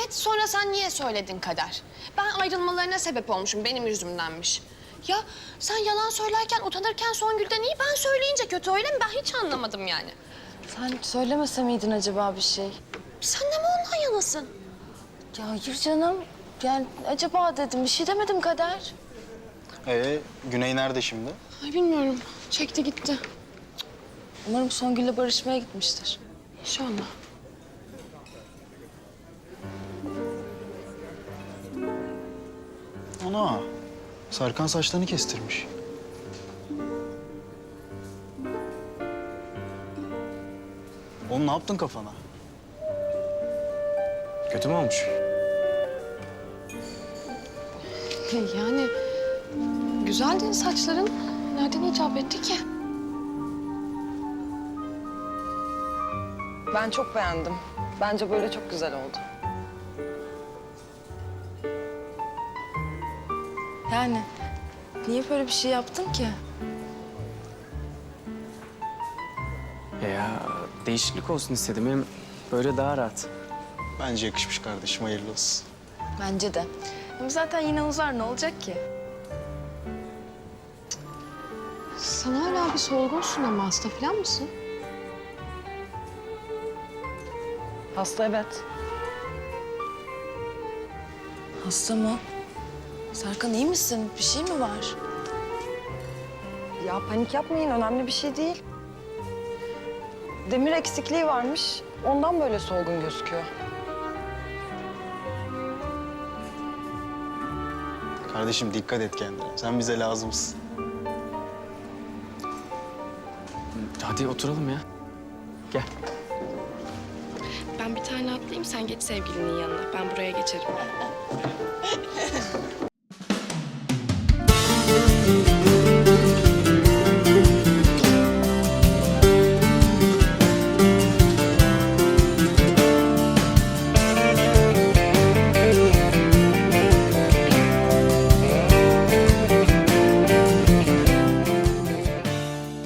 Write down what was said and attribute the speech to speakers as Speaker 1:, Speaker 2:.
Speaker 1: Evet, sonra sen niye söyledin Kader? Ben ayrılmalarına sebep olmuşum, benim yüzümdenmiş. Ya sen yalan söylerken, utanırken Songül'den iyi, ben söyleyince kötü, öyle mi? Ben hiç anlamadım yani.
Speaker 2: Sen söylemese miydin acaba bir şey?
Speaker 1: Sen de mi ondan yanasın?
Speaker 2: Ya hayır canım. Yani acaba dedim, bir şey demedim Kader.
Speaker 3: Güney nerede şimdi?
Speaker 1: Ay bilmiyorum, çekti gitti.
Speaker 2: Umarım Songül'le barışmaya gitmiştir.
Speaker 1: İnşallah.
Speaker 3: Ana, Serkan saçlarını kestirmiş. Oğlum ne yaptın kafana?
Speaker 4: Kötü mü olmuş?
Speaker 1: Yani güzeldi saçların. Nereden icap etti ki?
Speaker 2: Ben çok beğendim. Bence böyle çok güzel oldu. Yani niye böyle bir şey yaptın ki?
Speaker 4: Ya değişiklik olsun istedim. Hem böyle daha rahat.
Speaker 3: Bence yakışmış kardeşim, hayırlı olsun.
Speaker 2: Bence de. Hem zaten yine uzar, ne olacak ki?
Speaker 1: Sen hala bir solgunsun ama hasta falan mısın?
Speaker 2: Hasta evet. Hasta mı? Serkan iyi misin? Bir şey mi var?
Speaker 5: Ya panik yapmayın, önemli bir şey değil. Demir eksikliği varmış, ondan böyle solgun gözüküyor.
Speaker 3: Kardeşim dikkat et kendine. Sen bize lazımsın.
Speaker 4: Hadi oturalım ya. Gel.
Speaker 6: Ben bir tane atlayayım, sen geç sevgilinin yanına. Ben buraya geçerim.